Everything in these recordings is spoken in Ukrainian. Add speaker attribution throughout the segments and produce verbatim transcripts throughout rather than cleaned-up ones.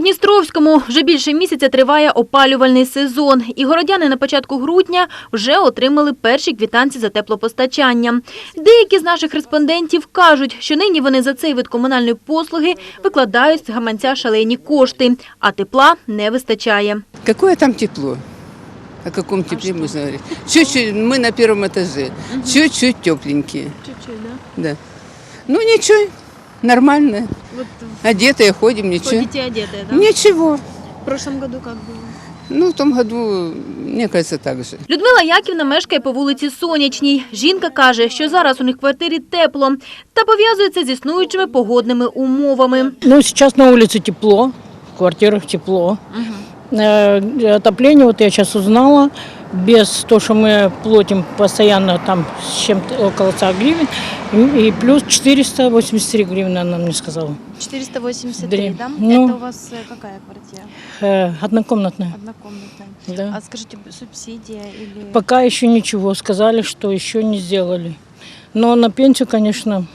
Speaker 1: Новодністровському вже більше місяця триває опалювальний сезон. І городяни на початку грудня вже отримали перші квитанції за теплопостачання. Деякі з наших респондентів кажуть, що нині вони за цей вид комунальної послуги викладають з гаманця шалені кошти, а тепла не вистачає.
Speaker 2: Какое там тепло? О каком тепле а можно говорить? Чуть-чуть, мы на первом этаже, угу. Чуть-чуть тепленькие.
Speaker 1: Чуть-чуть, да?
Speaker 2: Да. Ну ничего, нормально. Вот одетые ходим, ничего.
Speaker 1: Ходите одетые, да?
Speaker 2: Ничего.
Speaker 1: В прошлом году как было?
Speaker 2: Ну, в том году, мне кажется, так же.
Speaker 1: Людмила Яківна мешкає по вулиці Сонячній. Жінка каже, що зараз у них в квартирі тепло та пов'язує це з існуючими погодними умовами.
Speaker 3: Ну, сейчас на улице тепло, в квартирах тепло. Угу. Отопление, вот я сейчас узнала, без того, что мы платим постоянно там с чем-то около ста гривен, и плюс четыреста восемьдесят три гривны, она мне сказала.
Speaker 4: четыреста восемьдесят три, да?
Speaker 3: Ну,
Speaker 4: это у вас какая квартира?
Speaker 3: Э, однокомнатная.
Speaker 4: Однокомнатная.
Speaker 3: Да.
Speaker 4: А скажите, субсидия или...
Speaker 3: Пока еще ничего, сказали, что еще не сделали. Но на пенсию, конечно,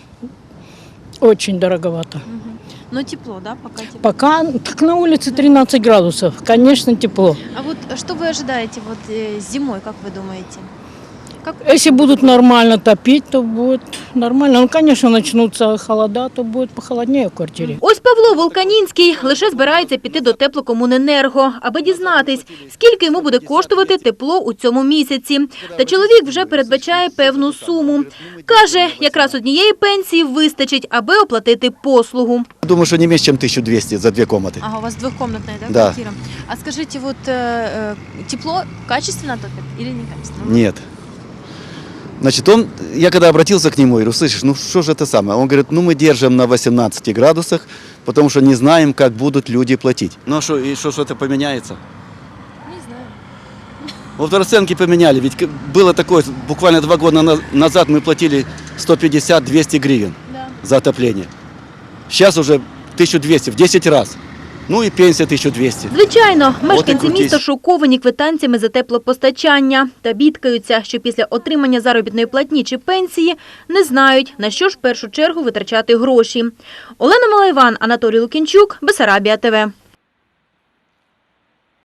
Speaker 3: очень дороговато.
Speaker 4: Угу. Но тепло, да, пока тепло?
Speaker 3: Пока, как на улице тринадцать градусов, конечно, тепло.
Speaker 4: А вот что вы ожидаете вот э, зимой, как вы думаете? Как...
Speaker 3: Если будут нормально топить, то будет нормально. Ну, конечно, начнутся холода, то будет похолоднее в квартире.
Speaker 1: Ось Павло Волканінський лише збирається піти до теплокомуненерго, аби дізнатись, скільки йому буде коштувати тепло у цьому місяці. Та чоловік вже передбачає певну суму. Каже, якраз однієї пенсії вистачить, аби оплатити послугу.
Speaker 5: Думаю, что не меньше, чем тысяча двести за две комнаты.
Speaker 4: Ага, у вас двухкомнатная, да,
Speaker 5: Да.
Speaker 4: квартира? А скажите, вот э, тепло качественно топит или некачественно?
Speaker 5: Нет. Значит, он, я когда обратился к нему, говорю, слышишь, ну что же это самое? Он говорит, ну мы держим на восемнадцати градусах, потому что не знаем, как будут люди платить. Ну а что, и что, что-то поменяется?
Speaker 4: Не знаю.
Speaker 5: Вот расценки поменяли, ведь было такое, буквально два года назад мы платили сто пятьдесят - двести гривен
Speaker 4: Да.
Speaker 5: за отопление. Сейчас уже тысяча двести, в десять раз. Ну і пенсія тисяча двісті.
Speaker 1: Звичайно, мешканці міста шоковані квитанціями за теплопостачання та бідкаються, що після отримання заробітної платні чи пенсії не знають, на що ж в першу чергу витрачати гроші. Олена Малайван, Анатолій Лукінчук, Бессарабія ТВ.